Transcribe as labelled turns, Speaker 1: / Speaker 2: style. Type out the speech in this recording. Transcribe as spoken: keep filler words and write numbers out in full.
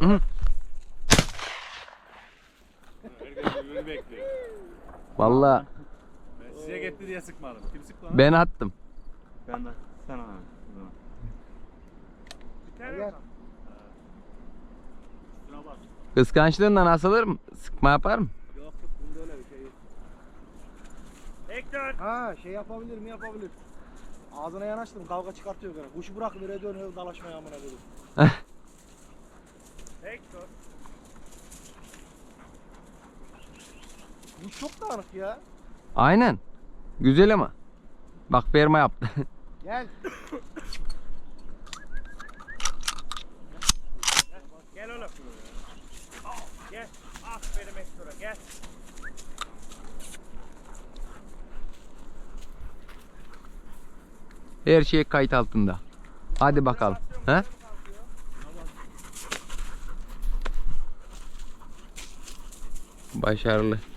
Speaker 1: Hı.
Speaker 2: Herkes birbirini bekliyor.
Speaker 1: Vallahi
Speaker 2: Ben size gitti diye sıkmadım. Kim sıktı lan?
Speaker 1: ben attım.
Speaker 2: Ben de. Sen abi.
Speaker 3: Gel.
Speaker 2: Şuna bak.
Speaker 1: Kıskançlığından asılırım. Sıkma yaparım.
Speaker 3: Yok yok bunda öyle bir şey yok.
Speaker 2: Hector.
Speaker 3: Ha şey yapabilir mi yapabilir. Ağzına yanaştım kavga çıkartıyor gene. Kuşu bırak nereye dönüyor dalaşmaya amına koydum.
Speaker 2: Hector.
Speaker 3: Kuş çok dağınık ya.
Speaker 1: Aynen. Güzel ama. Bak ferma yaptı.
Speaker 3: Gel.
Speaker 2: Gel oğlum. Gel. Aferin Hector'a gel.
Speaker 1: Her şey kayıt altında. Hadi bakalım. He? Başarılı.